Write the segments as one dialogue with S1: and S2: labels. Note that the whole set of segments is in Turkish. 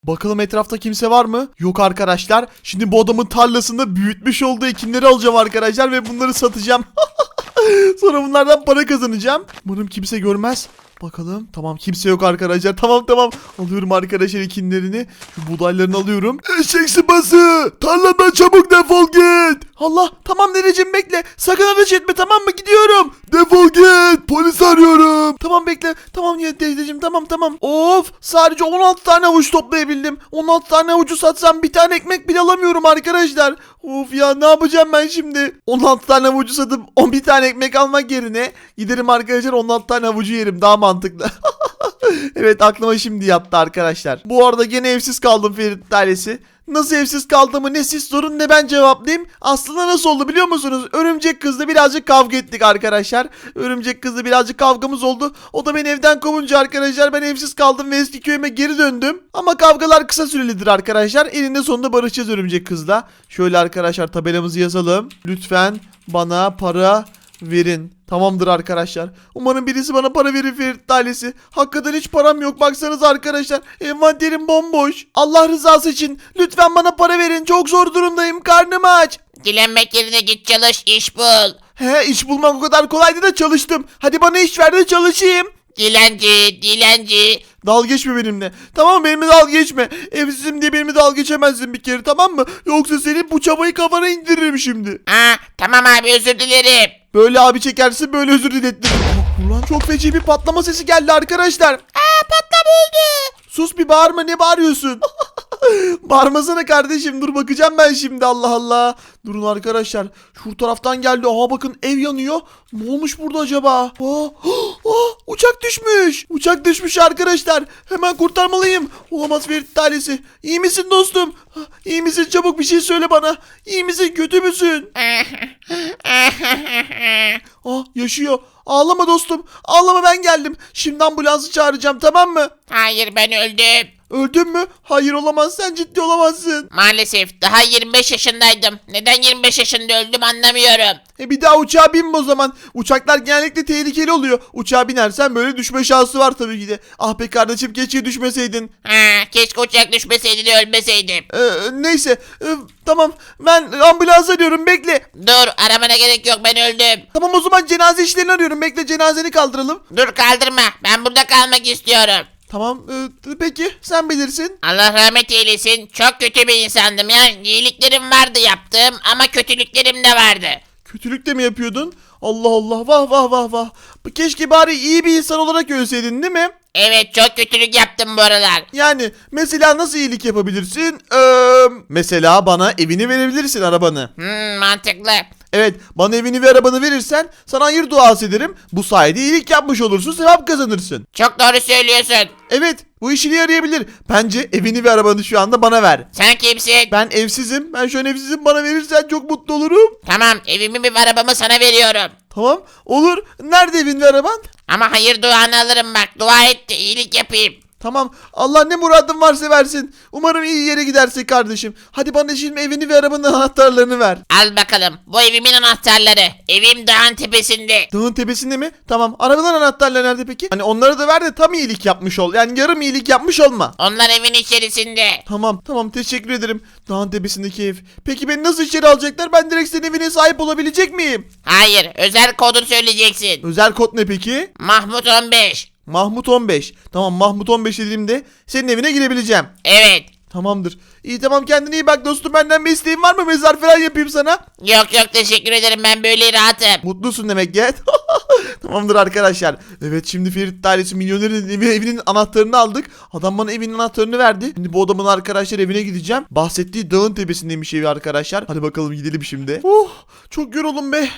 S1: Bakalım etrafta kimse var mı? Yok arkadaşlar. Şimdi bu adamın tarlasında büyütmüş olduğu ekinleri alacağım arkadaşlar ve bunları satacağım. Sonra bunlardan para kazanacağım. Umarım kimse görmez. Bakalım. Tamam, kimse yok arkadaşlar. Tamam. Alıyorum arkadaşlar ekinlerini. Şu buğdaylarını alıyorum. Eşek sıpası! Tarladan çabuk defol git! Allah, tamam dedeciğim, bekle. Sakın ateş etme, tamam mı? Gidiyorum. Defol git! Polis arıyorum. Tamam, bekle. Tamam ya dedeciğim, tamam. Of, sadece 16 tane havuç toplayabildim. 16 tane havucu satsam bir tane ekmek bile alamıyorum arkadaşlar. Of ya, ne yapacağım ben şimdi? 16 tane havucu satıp 11 tane ekmek almak yerine giderim arkadaşlar 16 tane havucu yerim, daha mantıklı. Evet, aklıma şimdi yattı arkadaşlar. Bu arada gene evsiz kaldım Ferit ailesi. Nasıl evsiz kaldığımı ne siz sorun ne ben cevaplayayım. Aslında nasıl oldu biliyor musunuz? Örümcek kızla birazcık kavga ettik arkadaşlar. Örümcek kızla birazcık kavgamız oldu. O da beni evden kovunca arkadaşlar ben evsiz kaldım ve eski köyüme geri döndüm. Ama kavgalar kısa sürelidir arkadaşlar. Eninde sonunda barışacağız örümcek kızla. Şöyle arkadaşlar tabelamızı yazalım. Lütfen bana para verin. Tamamdır arkadaşlar. Umarım birisi bana para verir Ferit ailesi. Hakikaten hiç param yok. Baksanıza arkadaşlar. Envanterim bomboş. Allah rızası için lütfen bana para verin. Çok zor durumdayım. Karnım aç.
S2: Dilenmek yerine git çalış, iş bul.
S1: He, iş bulmak o kadar kolaydı da çalıştım. Hadi bana iş ver de çalışayım.
S2: Dilenci.
S1: Dalga geçme benimle. Tamam, benimle dalga geçme. Evsizim diye benimle dalga geçemezsin bir kere, tamam mı? Yoksa senin bu çabayı kafana indiririm şimdi.
S2: Tamam abi, özür dilerim.
S1: Böyle abi çekersin, böyle özür dilettiririm. Ulan çok feci bir patlama sesi geldi arkadaşlar.
S2: Patlama oldu.
S1: Sus, bir bağırma, ne bağırıyorsun? Bağırmasana kardeşim, dur bakacağım ben şimdi, Allah Allah. Durun arkadaşlar, şu taraftan geldi. Aha bakın, ev yanıyor. Ne olmuş burada acaba? Uçak düşmüş. Uçak düşmüş arkadaşlar. Hemen kurtarmalıyım. Olamaz Ferit ailesi. İyi misin dostum? İyi misin, çabuk bir şey söyle bana. İyi misin, kötü müsün? Yaşıyor. Ağlama dostum. Ağlama, ben geldim. Şimdi ambulansı çağıracağım, tamam mı?
S2: Hayır, ben öldüm.
S1: Öldün mü? Hayır, olamaz, sen ciddi olamazsın.
S2: Maalesef daha 25 yaşındaydım. Neden 25 yaşında öldüm anlamıyorum.
S1: Bir daha uçağa binme o zaman. Uçaklar genellikle tehlikeli oluyor. Uçağa binersen böyle düşme şansı var tabii ki de. Ah be kardeşim, keşke düşmeseydin.
S2: Keşke uçak düşmeseydi de ölmeseydim.
S1: Neyse, tamam, ben ambulans arıyorum, bekle.
S2: Dur, aramana gerek yok, ben öldüm.
S1: Tamam, o zaman cenaze işlerini arıyorum, bekle, cenazeni kaldıralım.
S2: Dur, kaldırma, ben burada kalmak istiyorum.
S1: Tamam, peki sen bilirsin.
S2: Allah rahmet eylesin. Çok kötü bir insandım ya. İyiliklerim vardı yaptığım ama kötülüklerim de vardı.
S1: Kötülük de mi yapıyordun? Allah Allah, vah. Keşke bari iyi bir insan olarak ölseydin, değil mi?
S2: Evet, çok kötülük yaptım bu aralar.
S1: Yani mesela nasıl iyilik yapabilirsin? Mesela bana evini verebilirsin, arabanı.
S2: Mantıklı.
S1: Evet, bana evini ve arabanı verirsen sana hayır duası ederim. Bu sayede iyilik yapmış olursun, sevap kazanırsın.
S2: Çok doğru söylüyorsun.
S1: Evet, bu işine yarayabilir. Bence evini ve arabanı şu anda bana ver.
S2: Sen kimsin?
S1: Ben evsizim. Ben şu an evsizim. Bana verirsen çok mutlu olurum.
S2: Tamam, evimi ve arabamı sana veriyorum.
S1: Tamam, olur. Nerede evin ve araban?
S2: Ama hayır duanı alırım bak. Dua et de iyilik yapayım.
S1: Tamam, Allah ne muradın varsa versin. Umarım iyi yere gidersin kardeşim. Hadi bana şimdi evini ve arabanın anahtarlarını ver.
S2: Al bakalım. Bu evimin anahtarları. Evim dağın tepesinde.
S1: Dağın tepesinde mi? Tamam, arabanın anahtarları nerede peki? Hani onları da ver de tam iyilik yapmış ol. Yani yarım iyilik yapmış olma.
S2: Onlar evin içerisinde.
S1: Tamam, teşekkür ederim. Dağın tepesindeki ev. Peki beni nasıl içeri alacaklar? Ben direkt senin evine sahip olabilecek miyim?
S2: Hayır, özel kodunu söyleyeceksin.
S1: Özel kod ne peki?
S2: Mahmut 15.
S1: Mahmut 15. Tamam, Mahmut 15 dediğimde senin evine girebileceğim.
S2: Evet.
S1: Tamamdır. İyi, tamam, kendine iyi bak dostum. Benden bir isteğin var mı? Mezar falan yapayım sana.
S2: Yok teşekkür ederim, ben böyle rahatım.
S1: Mutlusun demek ki. Tamamdır arkadaşlar. Evet, şimdi Ferit ailesi milyonerin evinin anahtarını aldık. Adam bana evinin anahtarını verdi. Şimdi bu adamın arkadaşlar evine gideceğim. Bahsettiği dağın tepesindeymiş evi arkadaşlar. Hadi bakalım gidelim şimdi. Çok yoruldum be.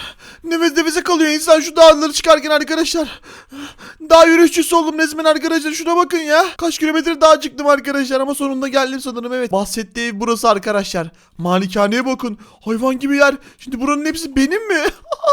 S1: Nefese kalıyor insan şu dağları çıkarken arkadaşlar. Dağ yürüyüşçüsü oldum resmen arkadaşlar. Şuna bakın ya. Kaç kilometre daha çıktım arkadaşlar ama sonunda geldim sanırım, evet. Bahsettiği ev burası arkadaşlar. Malikaneye bakın. Hayvan gibi yer. Şimdi buranın hepsi benim mi?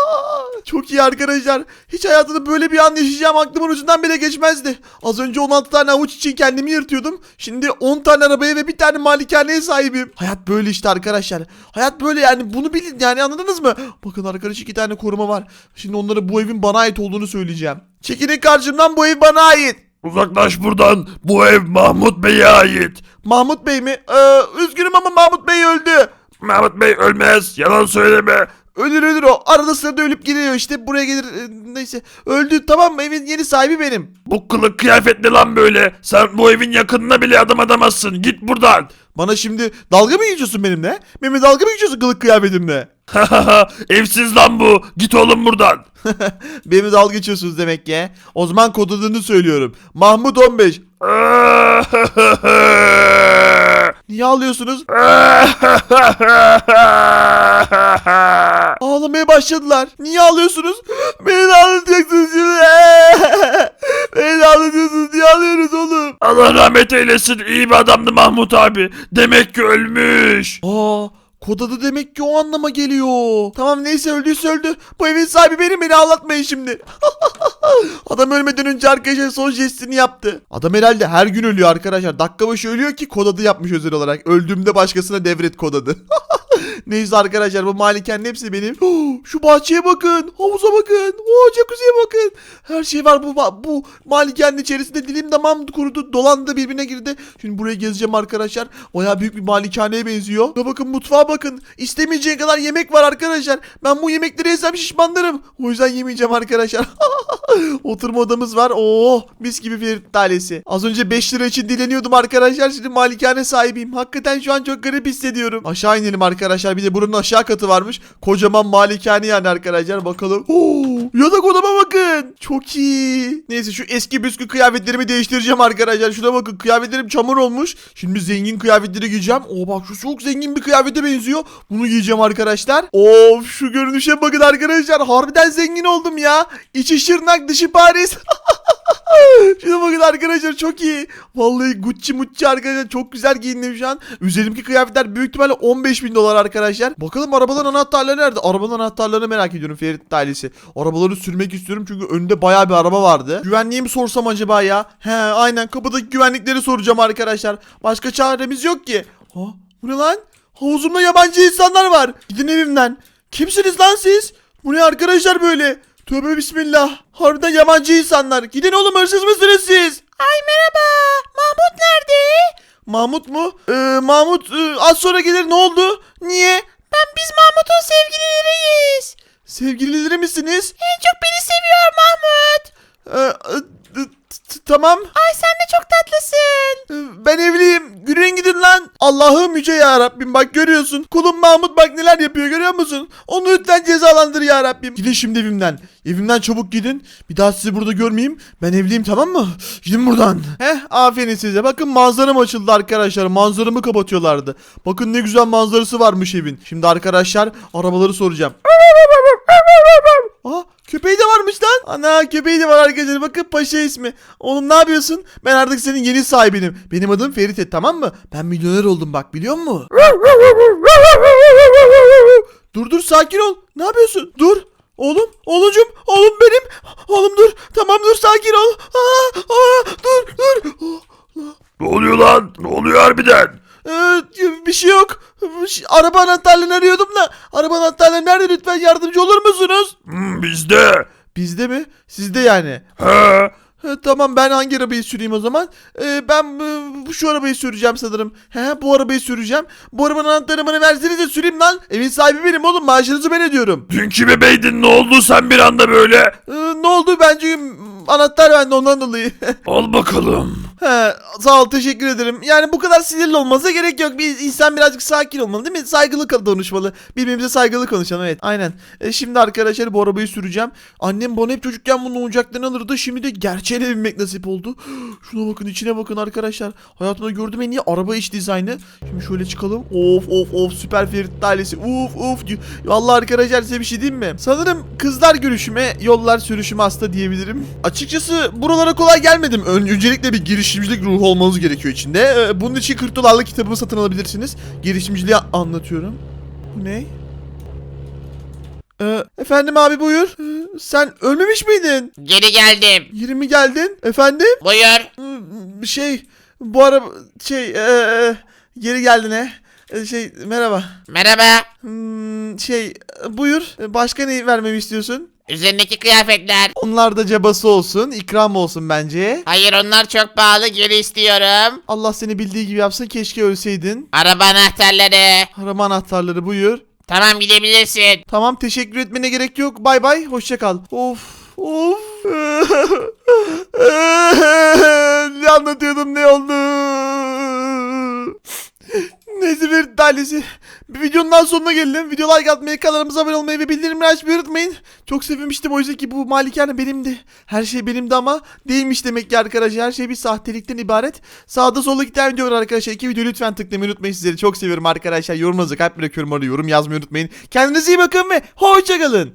S1: Çok iyi arkadaşlar. Hiç hayatımda böyle bir an yaşayacağım aklımın ucundan bile geçmezdi. Az önce 16 tane avuç için kendimi yırtıyordum. Şimdi 10 tane arabaya ve bir tane malikaneye sahibim. Hayat böyle işte arkadaşlar. Hayat böyle, yani bunu bilin, yani anladınız mı? Bakın arkadaş, 2 tane koruma var. Şimdi onlara bu evin bana ait olduğunu söyleyeceğim. Çekilin karşımdan, bu ev bana ait.
S3: Uzaklaş buradan. Bu ev Mahmut Bey'e ait.
S1: Mahmut Bey mi? Üzgünüm ama Mahmut Bey öldü.
S3: Mahmut Bey ölmez. Yalan söyleme.
S1: Ölür o. Arada sırada ölüp gidiyor işte. Buraya gelir. Neyse. Öldü, tamam mı? Evin yeni sahibi benim.
S3: Bu kılık kıyafet ne lan böyle? Sen bu evin yakınına bile adım atamazsın. Git buradan.
S1: Bana şimdi dalga mı geçiyorsun benimle? Benimle dalga mı geçiyorsun kılık kıyafetimle?
S3: Evsiz lan bu. Git oğlum buradan.
S1: Benimle dalga geçiyorsunuz demek ki. O zaman kod adını söylüyorum. Mahmut 15. Niye ağlıyorsunuz? Ağlamaya başladılar. Niye ağlıyorsunuz? Beni de ağlatacaksınız şimdi. Beni de ağlatıyorsunuz. Niye ağlıyorsunuz oğlum?
S3: Allah rahmet eylesin. İyi bir adamdı Mahmut abi. Demek ki ölmüş.
S1: Kod adı demek ki o anlama geliyor. Tamam neyse, öldüyse öldü. Bu evin sahibi benim, beni ağlatmayın şimdi. Adam ölmeden önce arkadaşlar son jestini yaptı. Adam herhalde her gün ölüyor arkadaşlar. Dakika başı ölüyor ki kod adı yapmış özel olarak. Öldüğümde başkasına devret kod adı. Neyse arkadaşlar, bu malikanenin hepsi benim. Şu bahçeye bakın. Havuza bakın. Jacuzziye bakın. Her şey var bu malikanenin içerisinde. Dilim damağım kurudu. Dolandı, birbirine girdi. Şimdi buraya gezeceğim arkadaşlar. Bayağı büyük bir malikaneye benziyor. Ya bakın, mutfağa bakın. İstemeyeceğin kadar yemek var arkadaşlar. Ben bu yemekleri yesem şişmanlarım. O yüzden yemeyeceğim arkadaşlar. Oturma odamız var. Mis gibi Ferit ailesi. Az önce 5 lira için dileniyordum arkadaşlar. Şimdi malikane sahibiyim. Hakikaten şu an çok garip hissediyorum. Aşağı inelim arkadaşlar. Bir de buranın aşağı katı varmış. Kocaman malikane yani arkadaşlar. Bakalım. Yatak odama bakın. Çok iyi. Neyse, şu eski büskü kıyafetlerimi değiştireceğim arkadaşlar. Şuna bakın, kıyafetlerim çamur olmuş. Şimdi zengin kıyafetleri giyeceğim. Bak, şu çok zengin bir kıyafete benziyor. Bunu giyeceğim arkadaşlar. Şu görünüşe bakın arkadaşlar. Harbiden zengin oldum ya. İçi Şırnak, dışı Paris. Şuna bakın arkadaşlar, çok iyi. Vallahi Gucci arkadaşlar, çok güzel giyindim şu an. Üzerimdeki kıyafetler büyük ihtimalle 15.000 dolar arkadaşlar. Bakalım arabaların anahtarları nerede? Arabanın anahtarlarını merak ediyorum Ferit ailesi. Arabaları sürmek istiyorum çünkü önünde bayağı bir araba vardı. Güvenliğe mi sorsam acaba ya? Aynen, kapıdaki güvenlikleri soracağım arkadaşlar. Başka çaremiz yok ki. Bu ne lan? Havuzumda yabancı insanlar var. Gidin evimden. Kimsiniz lan siz? Bu ne arkadaşlar böyle? Tövbe bismillah. Harbiden yabancı insanlar. Gidin oğlum, hırsız mısınız siz?
S2: Ay merhaba. Mahmut nerede?
S1: Mahmut mu? Mahmut az sonra gelir, ne oldu? Niye?
S2: Biz Mahmut'un sevgilileriyiz.
S1: Sevgilileri misiniz?
S2: En çok beni seviyor Mahmut.
S1: Tamam.
S2: Ay sen de çok tatlısın.
S1: Ben evliyim. Yürüyün gidin lan. Allah'ım yüce ya Rabbim, bak görüyorsun. Kulum Mahmut bak neler yapıyor, görüyor musun? Onu lütfen cezalandır ya Rabbim. Gidin şimdi evimden. Evimden çabuk gidin. Bir daha sizi burada görmeyeyim. Ben evliyim, tamam mı? Gidin buradan. Aferin size. Bakın manzaram açıldı arkadaşlar. Manzaramı kapatıyorlardı. Bakın ne güzel manzarası varmış evin. Şimdi arkadaşlar arabaları soracağım. Köpeği de varmış lan. Ana, köpeği de var arkadaşlar. Bakın Paşa ismi. Oğlum ne yapıyorsun? Ben artık senin yeni sahibinim. Benim adım Ferit, tamam mı? Ben milyoner oldum bak, biliyor musun? Dur sakin ol. Ne yapıyorsun? Dur. Oğlum benim. Oğlum dur. Tamam dur, sakin ol. Dur.
S3: Ne oluyor lan? Ne oluyor harbiden?
S1: Bir şey yok. Araba anahtarlarını arıyordum da. Araba anahtarları nerede, lütfen yardımcı olur musunuz?
S3: Bizde.
S1: Bizde mi? Sizde yani. Tamam, ben hangi arabayı süreyim o zaman? Ben şu arabayı süreceğim sanırım. Bu arabayı süreceğim. Bu arabanın anahtarını bana versenize, süreyim lan. Evin sahibi benim oğlum, maaşınızı ben ödüyorum.
S3: Dünkü bebeydin, ne oldu sen bir anda böyle?
S1: Ne oldu? Bence anahtar bende, ondan dolayı.
S3: Al bakalım.
S1: Sağ ol, teşekkür ederim. Yani bu kadar sinirli olmasına gerek yok. Bir insan birazcık sakin olmalı, değil mi? Saygılı konuşmalı. Birbirimize saygılı konuşalım, evet. Aynen. Şimdi arkadaşlar bu arabayı süreceğim. Annem bana hep çocukken bunun oyuncaklarını alırdı. Şimdi de gerçeğine binmek nasip oldu. Şuna bakın, içine bakın arkadaşlar. Hayatımda gördüğüm en iyi araba iç dizaynı. Şimdi şöyle çıkalım. Of süper Ferit ailesi. Uf. Vallahi arkadaşlar size bir şey diyeyim mi? Sanırım kızlar görüşüme, yollar sürüşüme hasta diyebilirim. Açıkçası buralara kolay gelmedim. Öncelikle bir girişimcilik ruhu olmanız gerekiyor içinde. Bunun için 40 dolarlık kitabımı satın alabilirsiniz. Girişimciliği anlatıyorum. Bu ne? Efendim abi, buyur. Sen ölmemiş miydin?
S2: Geri geldim.
S1: 20 geldin. Efendim?
S2: Buyur.
S1: Bu araba geri geldin merhaba.
S2: Merhaba.
S1: Buyur. Başka ne vermemi istiyorsun?
S2: Üzerindeki kıyafetler.
S1: Onlar da cabası olsun, ikram olsun bence.
S2: Hayır onlar çok pahalı, geri istiyorum.
S1: Allah seni bildiği gibi yapsın, keşke ölseydin.
S2: Araba anahtarları.
S1: Arama anahtarları buyur.
S2: Tamam gidebilirsin.
S1: Tamam, teşekkür etmene gerek yok. Bay bay, hoşça kal. Of. Ne anlatıyordum, ne oldu? Neyse, bir tanesi. Bir videonun daha sonuna geldim. Video like atmayı, kanalımıza abone olmayı ve bildirimleri açmayı unutmayın. Çok sevmiştim oysa ki bu malikane benimdi. Her şey benimdi ama değilmiş demek ki arkadaşlar. Her şey bir sahtelikten ibaret. Sağda solda iki tane video var arkadaşlar. 2 videoyu lütfen tıklamayı unutmayın. Sizleri çok seviyorum arkadaşlar. Yorumunuzu kalp bırakıyorum orada. Yorum yazmayı unutmayın. Kendinize iyi bakın ve hoşça kalın.